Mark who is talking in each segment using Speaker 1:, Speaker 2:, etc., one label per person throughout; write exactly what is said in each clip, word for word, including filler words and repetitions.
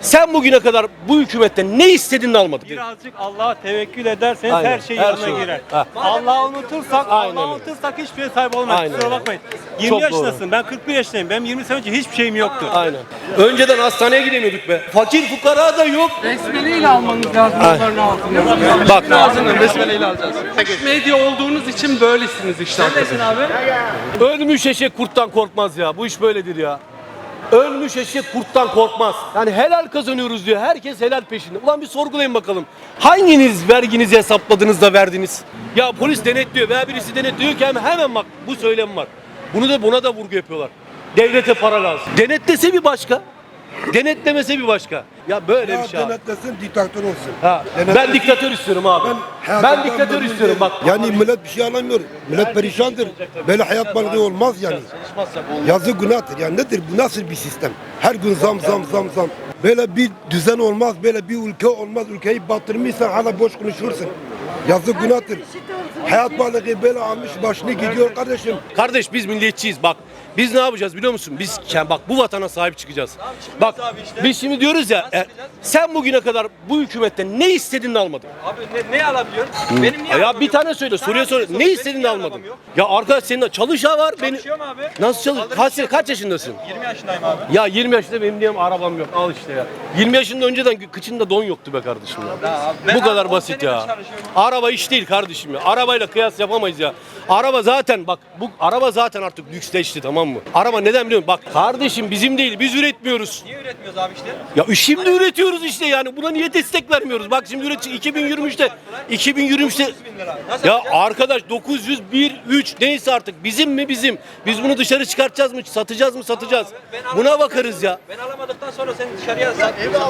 Speaker 1: Sen bugüne kadar bu hükümetten ne istedin de almadın?
Speaker 2: Birazcık Allah'a tevekkül ederseniz
Speaker 1: Aynen,
Speaker 2: her şey
Speaker 1: her
Speaker 2: yanına
Speaker 1: şey.
Speaker 2: girer.
Speaker 1: Ha.
Speaker 2: Allah'ı unutursak,
Speaker 1: Aynen
Speaker 2: Allah'ı
Speaker 1: öyle.
Speaker 2: unutursak hiçbir şeye sahip olmayız.
Speaker 1: Aynen
Speaker 2: Kusura
Speaker 1: öyle.
Speaker 2: bakmayın. yirmi
Speaker 1: Çok
Speaker 2: yaşındasın, ben kırk bir yaşındayım. Benim yirmi sene önce hiçbir şeyim yoktu.
Speaker 1: Aynen. Önceden hastaneye gidemiyorduk be. Fakir fukara da yok.
Speaker 3: Besmeleyle almanız lazım onların altını.
Speaker 1: Bak.
Speaker 3: Ağzını besmeleyle alacağız. Medya olduğunuz için böylesiniz işte.
Speaker 2: Neredesin abi?
Speaker 1: Ölmüş eşek kurttan korkmaz ya. Bu iş böyledir ya. Ölmüş eşek kurttan korkmaz. Yani helal kazanıyoruz diyor. Herkes helal peşinde. Ulan bir sorgulayın bakalım. Hanginiz verginizi hesapladınız da verdiniz? Ya polis denetliyor veya birisi denetliyor ki hemen, hemen bak bu söylem var. Bunu da buna da vurgu yapıyorlar. Devlete para lazım. Denetlese bir başka. Denetlemese bir başka. Ya böyle
Speaker 4: Ya
Speaker 1: bir şey abi.
Speaker 4: denetlesin, diktatör olsun.
Speaker 1: Ha, ben
Speaker 4: Denetlesin.
Speaker 1: diktatör istiyorum abi. Ben,
Speaker 4: hayatımdan
Speaker 1: diktatör
Speaker 4: memnun
Speaker 1: istiyorum
Speaker 4: değilim.
Speaker 1: bak.
Speaker 4: Yani millet bir şey alamıyor. Millet perişandır. Böyle hayat balığı olmaz yani. Yazık günahtır. Yani nedir bu, nasıl bir sistem? Her gün zam zam zam zam. Böyle bir düzen olmaz, böyle bir ülke olmaz. Ülkeyi batırmışsan hala boş konuşursun. Yazık günahtır. Hayat balığı böyle almış başını gidiyor kardeşim.
Speaker 1: Kardeş biz milliyetçiyiz bak. Biz ne yapacağız biliyor musun? Biz yani bak bu vatana sahip çıkacağız. Bak biz şimdi diyoruz ya e, sen bugüne kadar bu hükümetten ne istedin de almadın?
Speaker 2: Abi ne, ne alabiliyorsun? Benim niye
Speaker 1: Ya bir tane söyle soruya sor. Ne istedin de almadın? Ya arkadaş senin de çalışan var benim.
Speaker 2: Çalışıyorum abi.
Speaker 1: Nasıl çalış? Kaç, kaç yaşındasın?
Speaker 2: yirmi yaşındayım abi.
Speaker 1: Ya yirmi yaşında benim diyelim arabam yok. Al işte ya. yirmi yaşında önceden kıçında don yoktu be kardeşim ya. Bu kadar basit ya. Araba iş değil kardeşim ya. Arabayla kıyas yapamayız ya. Araba zaten bak bu araba zaten artık lüksleşti, tamam mı? Araba neden biliyor musun? Bak kardeşim bizim değil, biz üretmiyoruz.
Speaker 2: Niye üretmiyoruz abi işte?
Speaker 1: Ya şimdi üretiyoruz işte yani. Buna niye destek vermiyoruz? Bak şimdi üret iki bin yirmi üçte iki bin yirmi üçte ya arkadaş dokuz yüz bir üç neyse artık bizim mi bizim? Biz bunu dışarı çıkartacağız mı? Satacağız mı? Satacağız. Buna bakarız ya.
Speaker 2: Ben alamadıktan sonra sen dışarıya sat.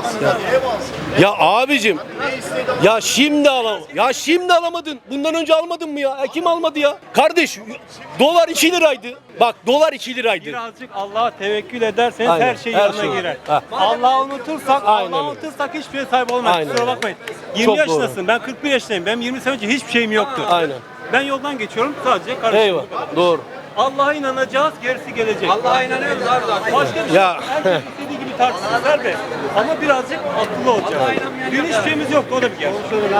Speaker 1: Ya abicim ya şimdi alam ya şimdi alamadın. Bundan önce almadın mı ya? E, kim almadı ya? Kardeş dolar iki liraydı. Bak dolar iki liraydı.
Speaker 2: Birazcık Allah'a tevekkül ederseniz
Speaker 1: Aynen,
Speaker 2: her şey
Speaker 1: her
Speaker 2: yanına
Speaker 1: şey.
Speaker 2: girer.
Speaker 1: Ha.
Speaker 2: Allah'ı unutursak,
Speaker 1: Aynen
Speaker 2: Allah'ı
Speaker 1: öyle.
Speaker 2: unutursak hiçbir şeye sahip olmayız.
Speaker 1: Aynen
Speaker 2: Kusura
Speaker 1: öyle.
Speaker 2: bakmayın. yirmi
Speaker 1: Çok
Speaker 2: yaşındasın, ben kırk bir yaşındayım. Benim yirmi sene önce hiçbir şeyim yoktu.
Speaker 1: Aynen.
Speaker 2: Ben yoldan geçiyorum sadece karışım.
Speaker 1: Eyvah. Doğru.
Speaker 2: Allah'a inanacağız, gerisi gelecek. Allah'a inanıyoruz abi zaten. Başka bir şey
Speaker 1: Ya.
Speaker 2: yok. Herkes istediği gibi tartışsın serbest. Ama birazcık akıllı olacağız. Dün hiçbir şeyimiz yoktu, o da bir gerçek.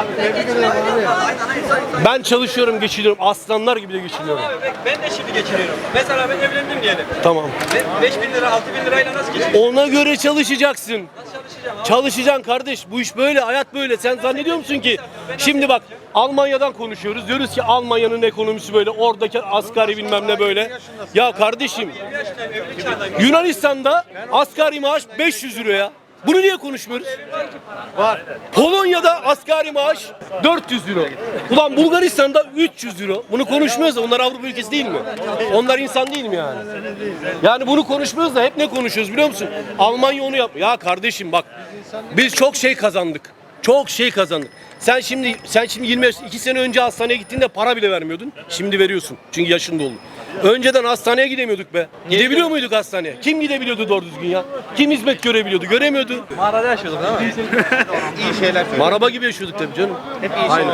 Speaker 1: Ben çalışıyorum, geçiniyorum. Aslanlar gibi de geçiniyorum.
Speaker 2: Ben de şimdi geçiriyorum. Mesela ben evlendim diyelim.
Speaker 1: Tamam.
Speaker 2: beş bin lira, altı bin lirayla nasıl geçiriyorum?
Speaker 1: Ona göre çalışacaksın.
Speaker 2: Nasıl çalışacağım abi?
Speaker 1: Çalışacaksın kardeş. Bu iş böyle, hayat böyle. Sen zannediyor musun ki? Şimdi bak Almanya'dan konuşuyoruz. Diyoruz ki Almanya'nın ekonomisi böyle. Oradaki asgari bilmem ne böyle. Ya kardeşim Yunanistan'da asgari maaş beş yüz euro ya. Bunu niye konuşmuyoruz? Var. Polonya'da asgari maaş dört yüz euro. Ulan Bulgaristan'da üç yüz euro. Bunu konuşmuyoruz da onlar Avrupa ülkesi değil mi? Onlar insan değil mi yani? Yani bunu konuşmuyoruz da hep ne konuşuyoruz biliyor musun? Almanya onu yap. Ya kardeşim bak biz çok şey kazandık. Çok şey kazandık. Sen şimdi sen şimdi yirmi yaş, iki sene önce hastaneye gittiğinde para bile vermiyordun. Şimdi veriyorsun. Çünkü yaşın doldu. Önceden hastaneye gidemiyorduk be. Gidebiliyor muyduk hastaneye? Kim gidebiliyordu doğru düzgün ya? Kim hizmet görebiliyordu? Göremiyordu.
Speaker 2: Mağarada yaşıyorduk değil mi? İyi şeyler.
Speaker 1: Maraba gibi yaşıyorduk tabii canım. Hep iyi Aynen.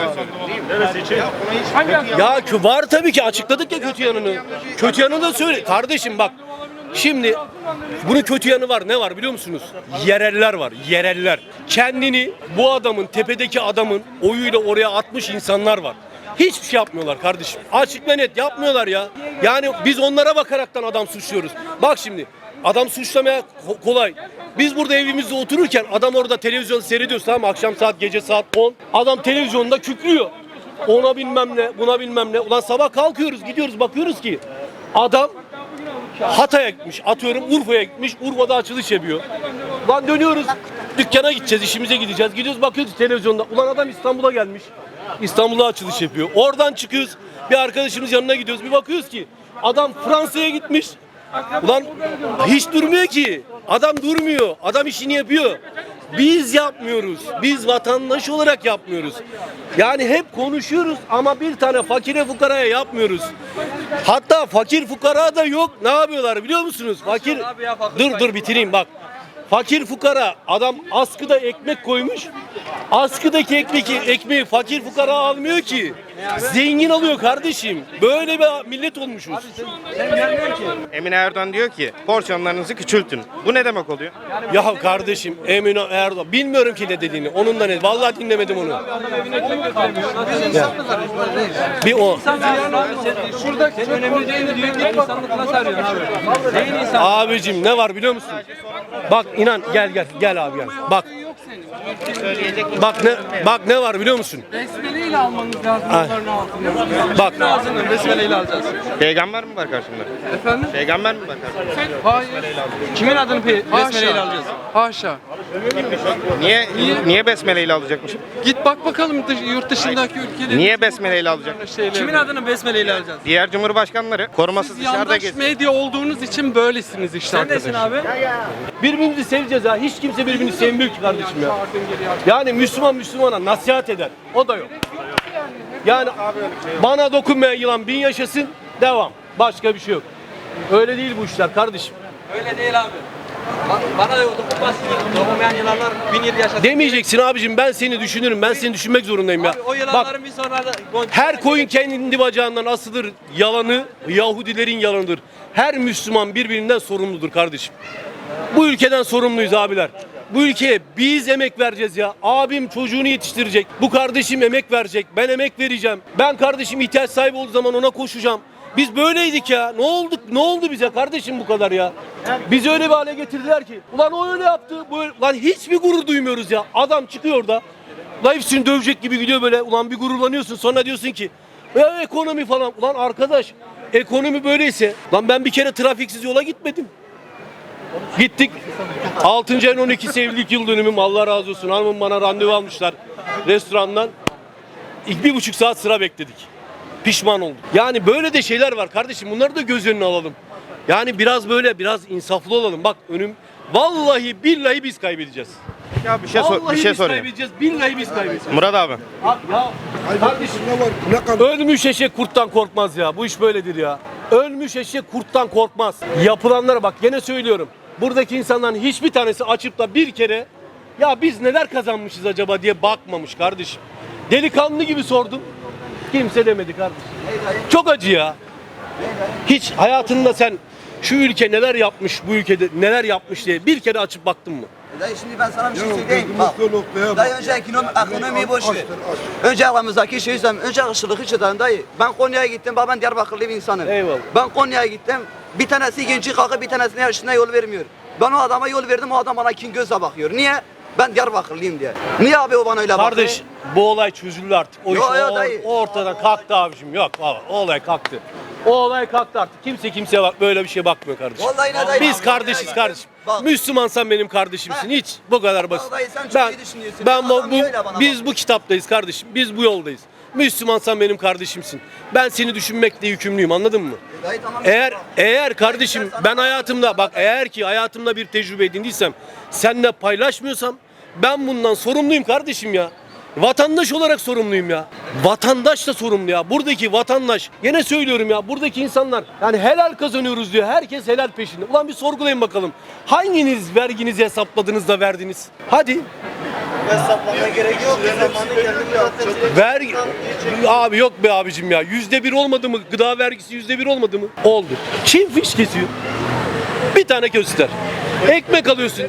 Speaker 1: Ya kö- var tabii ki, açıkladık ya kötü yanını. Kötü yanını da söyle. Kardeşim bak. Şimdi bunun kötü yanı var. Ne var biliyor musunuz? Yereller var. Yereller. Kendini bu adamın, tepedeki adamın oyuyla oraya atmış insanlar var. Hiçbir şey yapmıyorlar kardeşim. Açık ve net yapmıyorlar ya. Yani biz onlara bakaraktan adam suçluyoruz. Bak şimdi adam suçlamaya ko- kolay. Biz burada evimizde otururken adam orada televizyon seyrediyoruz, tamam mı? Akşam saat, gece saat on. Adam televizyonda kükrüyor. Ona bilmem ne, buna bilmem ne. Ulan sabah kalkıyoruz, gidiyoruz, bakıyoruz ki adam Hatay'a gitmiş, atıyorum Urfa'ya gitmiş, Urfa'da açılış yapıyor. Ulan dönüyoruz, dükkana gideceğiz, işimize gideceğiz. Gidiyoruz, bakıyoruz televizyonda. Ulan adam İstanbul'a gelmiş. İstanbul'a açılış yapıyor. Oradan çıkıyoruz, bir arkadaşımız yanına gidiyoruz. Bir bakıyoruz ki adam Fransa'ya gitmiş. Ulan hiç durmuyor ki. Adam durmuyor. Adam işini yapıyor. Biz yapmıyoruz. Biz vatandaş olarak yapmıyoruz. Yani hep konuşuyoruz ama bir tane fakire fukaraya yapmıyoruz. Hatta fakir fukara da yok. Ne yapıyorlar biliyor musunuz? Fakir Dur dur bitireyim bak. Fakir fukara adam askıda ekmek koymuş. Askıdaki ekmeği, ekmeği fakir fukara almıyor ki. Zengin alıyor kardeşim. Böyle bir millet olmuşuz.
Speaker 5: Emine Erdoğan diyor ki porsiyonlarınızı küçültün. Bu ne demek oluyor?
Speaker 1: Ya kardeşim Emine Erdoğan bilmiyorum ki ne dediğini. Onun da ne? Vallahi dinlemedim onu. Ya. Bir o.
Speaker 3: Şurada önemli değil diyor ki insanlık nasıl arıyorsun abi? Neyin insan?
Speaker 1: Abicim ne var biliyor musun? Bak inan gel gel gel abi gel. Bak. Bak ne bak ne var biliyor musun?
Speaker 3: Besmeleyle almanız lazım
Speaker 1: Ay.
Speaker 3: onların altını.
Speaker 1: Bak.
Speaker 3: Ağzını besmeleyle alacağız.
Speaker 5: Peygamber mi var karşımda?
Speaker 3: Efendim?
Speaker 5: Peygamber mi var karşımda?
Speaker 3: Hayır.
Speaker 2: Kimin adını pe- besmeleyle
Speaker 3: Haşa.
Speaker 2: alacağız?
Speaker 3: Haşa.
Speaker 5: Niye niye besmeleyle alacakmışım?
Speaker 3: Git bak bakalım dış- yurt dışındaki ülkelerin.
Speaker 5: Niye besmeleyle alacak?
Speaker 3: şeyleri.
Speaker 2: Kimin adını besmeleyle alacağız?
Speaker 5: Diğer cumhurbaşkanları korumasız
Speaker 3: Siz
Speaker 5: dışarıda
Speaker 3: yandaş
Speaker 5: geziyor.
Speaker 3: medya olduğunuz için böylesiniz işte
Speaker 2: Sen nesin
Speaker 3: arkadaş.
Speaker 2: abi?
Speaker 1: Birbirimizi seveceğiz ha. Hiç kimse birbirini sevmiyor ki kardeşim ya. Yani Müslüman Müslümana nasihat eder. O da yok. Yani bana dokunmayan yılan bin yaşasın. Devam. Başka bir şey yok. Öyle değil bu işler kardeşim.
Speaker 2: Öyle değil abi. Ba- Bana da dokunmaz. Dokunmayan yılanlar bin yıl yaşasın.
Speaker 1: Demeyeceksin abicim ben seni düşünürüm. Ben seni düşünmek zorundayım ya.
Speaker 2: Abi o
Speaker 1: Bak
Speaker 2: yılanların bir sonra da...
Speaker 1: her koyun kendi bacağından asılır. Yalanı Yahudilerin yalanıdır. Her Müslüman birbirinden sorumludur kardeşim. Bu ülkeden sorumluyuz abiler. Bu ülkeye biz emek vereceğiz ya. Abim çocuğunu yetiştirecek. Bu kardeşim emek verecek. Ben emek vereceğim. Ben kardeşim ihtiyaç sahibi olduğu zaman ona koşacağım. Biz böyleydik ya. Ne olduk? Ne oldu bize kardeşim bu kadar ya? Bizi öyle bir hale getirdiler ki. Ulan o öyle yaptı. Bu öyle... Lan hiçbir gurur duymuyoruz ya. Adam çıkıyor da. Life'sini dövecek gibi gidiyor böyle. Ulan bir gururlanıyorsun. Sonra diyorsun ki ya ekonomi falan. Ulan arkadaş ekonomi böyleyse. Lan ben bir kere trafiksiz yola gitmedim. Gittik. altıncı ayın on ikisi evlilik yıl dönümüm. Allah razı olsun. Hanımım bana randevu almışlar restorandan. İlk bir buçuk saat sıra bekledik. Pişman olduk. Yani böyle de şeyler var kardeşim. Bunları da göz önüne alalım. Yani biraz böyle biraz insaflı olalım. Bak önüm vallahi billahi biz kaybedeceğiz.
Speaker 5: Ya bir şey sor,
Speaker 1: Vallahi
Speaker 5: bir şey
Speaker 1: biz
Speaker 5: sorayım.
Speaker 1: kaybedeceğiz. Billahi biz kaybedeceğiz.
Speaker 5: Murat abi.
Speaker 1: Abi ya kardeşim
Speaker 4: Ne var? Ne kadar?
Speaker 1: ölmüş eşek kurttan korkmaz ya. Bu iş böyledir ya. Ölmüş eşek kurttan korkmaz. Yapılanlara bak gene söylüyorum. Buradaki insanların hiçbir tanesi açıp da bir kere ya biz neler kazanmışız acaba diye bakmamış kardeşim. Delikanlı gibi sordum. Kimse demedi kardeşim. Çok acı ya. Hiç hayatında sen şu ülke neler yapmış, bu ülkede neler yapmış diye bir kere açıp baktın mı?
Speaker 6: Dayı şimdi ben sana bir şey
Speaker 4: Ya
Speaker 6: söyleyeyim.
Speaker 4: gözümüz
Speaker 6: Bak.
Speaker 4: o noktaya
Speaker 6: Dayı
Speaker 4: bak.
Speaker 6: önce ekonomi, ekonomiyi boş ver.
Speaker 4: Açtır, aç.
Speaker 6: Önce aramızdaki şeyi söyleyeyim. Önce ırkçılığı çözelim dayı. Ben Konya'ya gittim. Bak ben Diyarbakırlı bir insanım.
Speaker 1: Eyvallah.
Speaker 6: Ben Konya'ya gittim. Bir tanesi genci kalkıp bir tanesine yaşına yol vermiyor. Ben o adama yol verdim. O adam bana kin gözle bakıyor. Niye? Ben Diyarbakırlıyım diye. Niye abi o bana öyle bakıyor?
Speaker 1: Kardeş bu olay çözüldü artık. O,
Speaker 6: Yo,
Speaker 1: iş,
Speaker 6: yo,
Speaker 1: o,
Speaker 6: dayı.
Speaker 1: o ortadan kalktı abicim. Yok abi, o olay kalktı. O olay kalktı artık. Kimse kimseye bak böyle bir şeye bakmıyor kardeşim.
Speaker 6: Vallahi ne dayı?
Speaker 1: Biz kardeşiz kardeşim.
Speaker 6: Bak.
Speaker 1: Müslümansan benim kardeşimsin.
Speaker 6: Ha.
Speaker 1: Hiç bu kadar basit.
Speaker 6: Vallahi sen çok
Speaker 1: Ben
Speaker 6: iyi düşünüyorsun.
Speaker 1: ben bu,
Speaker 6: Adam
Speaker 1: bu-
Speaker 6: öyle bana
Speaker 1: biz
Speaker 6: bak.
Speaker 1: bu kitaptayız kardeşim. Biz bu yoldayız. Müslümansan benim kardeşimsin. Ben seni düşünmekle yükümlüyüm. Anladın mı?
Speaker 6: Dayı tamam.
Speaker 1: Eğer
Speaker 6: Bak.
Speaker 1: eğer kardeşim ben hayatımda bak eğer ki hayatımda bir tecrübe edindiysem seninle paylaşmıyorsam ben bundan sorumluyum kardeşim ya. Vatandaş olarak sorumluyum ya. Vatandaş da sorumlu ya. Buradaki vatandaş yine söylüyorum ya buradaki insanlar yani helal kazanıyoruz diyor. Herkes helal peşinde. Ulan bir sorgulayın bakalım. Hanginiz verginizi hesapladınız da verdiniz? Hadi.
Speaker 6: Hesaplamaya gerek yok. Zamanı geldi zaten.
Speaker 1: Vergi... Abi yok be abicim ya. Yüzde bir olmadı mı? Gıda vergisi yüzde bir olmadı mı? Oldu. Çin fiş kesiyor. Bir tane göster. Ekmek alıyorsun.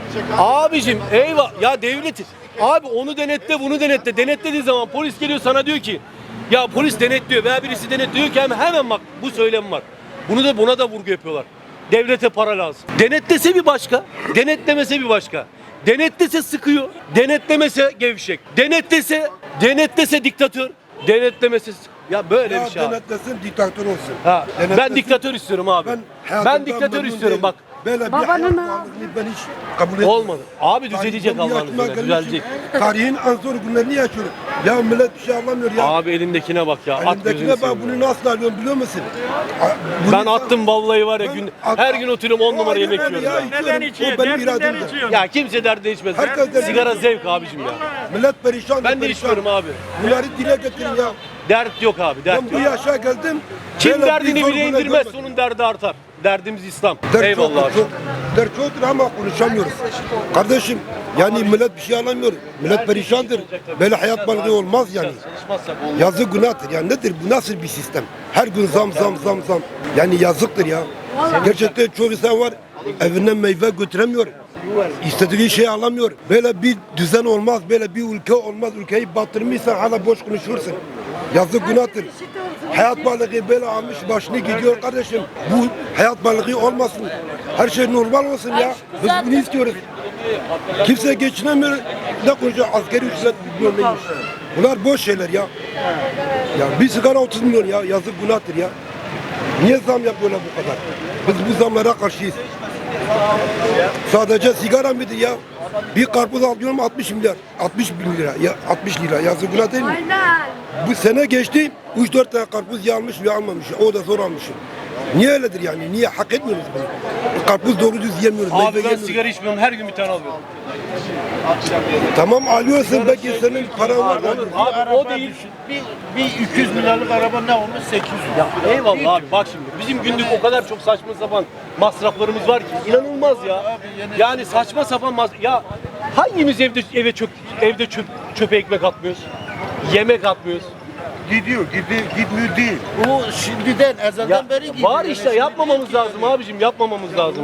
Speaker 1: Abicim eyvah. Ya devletiz. Abi onu denetle bunu denetle. Denetlediği zaman polis geliyor sana diyor ki ya polis denetliyor veya birisi denetliyor ki hemen, hemen bak bu söylem var. Bunu da buna da vurgu yapıyorlar. Devlete para lazım. Denetlese bir başka. Denetlemese bir başka. Denetlese sıkıyor. Denetlemese gevşek. Denetlese, denetlese diktatör. Denetlemese sık- ya böyle
Speaker 4: Ya
Speaker 1: bir şey abi.
Speaker 4: denetlesin, diktatör olsun.
Speaker 1: Ha, ben
Speaker 4: Denetlesin.
Speaker 1: diktatör istiyorum abi.
Speaker 4: Ben,
Speaker 1: Ben,
Speaker 4: hayatımdan
Speaker 1: diktatör
Speaker 4: memnun
Speaker 1: istiyorum
Speaker 4: değilim.
Speaker 1: bak.
Speaker 4: Böyle bir hayat pahalılığını ben hiç kabul etmiyorum.
Speaker 1: Olmadı. Abi düzelecek
Speaker 4: Tarihten bir
Speaker 1: Allah'ın
Speaker 4: yaşıma
Speaker 1: izniyle.
Speaker 4: gelmişim.
Speaker 1: Düzelecek.
Speaker 4: Tarihin en zor günlerini yaşıyoruz. Ya millet bir şey anlamıyor ya.
Speaker 1: Abi elindekine bak ya. At gözünü
Speaker 4: Elimdekine bak
Speaker 1: seveyim
Speaker 4: bunu
Speaker 1: ya.
Speaker 4: nasıl alıyorum biliyor musun? A- bunu-
Speaker 1: Ben attım vallahi var ya
Speaker 4: Ben
Speaker 1: gün
Speaker 4: at-
Speaker 1: her gün oturuyorum on numara
Speaker 4: Aynen
Speaker 1: yemek
Speaker 4: öyle
Speaker 1: yiyorum.
Speaker 4: ya,
Speaker 1: ya.
Speaker 4: içiyorum. O benim irademde.
Speaker 1: Ya kimse derde içmez.
Speaker 4: Herkes derde
Speaker 1: Sigara
Speaker 4: içiyor.
Speaker 1: zevk abicim ya.
Speaker 4: Millet perişan.
Speaker 1: Ben de
Speaker 4: perişan.
Speaker 1: içmiyorum abi.
Speaker 4: Bunları dile getirin ya.
Speaker 1: Dert yok abi dert
Speaker 4: Ben bu
Speaker 1: yok.
Speaker 4: yaşa geldim.
Speaker 1: Kim
Speaker 4: böyle bir
Speaker 1: derdini
Speaker 4: zor
Speaker 1: bile
Speaker 4: günler
Speaker 1: indirmez
Speaker 4: görmedim.
Speaker 1: onun derdi artar. derdimiz İslam.
Speaker 4: Dert
Speaker 1: Eyvallah
Speaker 4: çoktur,
Speaker 1: abi.
Speaker 4: çok. Dert çoktur ama konuşamıyoruz. Kardeşim yani millet bir şey alamıyor. Millet perişandır. Böyle hayat balığı olmaz yani. Yazık günahtır. Yani nedir bu, nasıl bir sistem? Her gün zam zam zam zam. Yani yazıktır ya. Gerçekten çok insan var evinden meyve götüremiyor. İstediği şey alamıyor. Böyle bir düzen olmaz. Böyle bir ülke olmaz. Ülkeyi batırmışsan hala boş konuşursun. Yazık günahtır. Hayat balığı böyle almış başını gidiyor kardeşim. Bu hayat balığı olmasın. Her şey normal olsun ya. Biz bunu istiyoruz. Kimse geçinemiyor. Ne konuşuyor? Asgari ücret bilmiyor neymiş. Bunlar boş şeyler ya. Ya bir sigara otuz milyon ya. Yazık günahtır ya. Niye zam yapıyorlar bu kadar? Biz bu zamlara karşıyız. Sadece sigara mıdır ya? Bir karpuz alıyorum altmış milyar. altmış bin lira. Ya altmış lira. Yazık günah değil mi? Bu sene geçti. üç dört tane karpuz yanmış ve almamış. O da zor almışım. Niye öyledir yani? Niye hak etmiyoruz bunu? Karpuz doğru düz yemiyoruz. meyve
Speaker 1: Abi ben
Speaker 4: yemiyoruz.
Speaker 1: sigara içmiyorum. Her gün bir tane alıyorum.
Speaker 4: Tamam alıyorsun belki senin paran var.
Speaker 1: Abi o değil.
Speaker 7: Bir, bir iki yüz milyarlık araba ne olmuş? sekiz yüz.
Speaker 1: Ya eyvallah abi bak şimdi bizim günlük o kadar çok saçma sapan masraflarımız var ki inanılmaz ya. Yani saçma sapan mas ya hangimiz evde eve çöp evde çöp çöpe ekmek atmıyoruz? Yemek atmıyoruz.
Speaker 7: Gidiyor, gidiyor, gitmiyor değil. O şimdiden, ezelden
Speaker 1: Ya
Speaker 7: beri gidiyor.
Speaker 1: var işte yapmamamız lazım abicim yapmamamız lazım.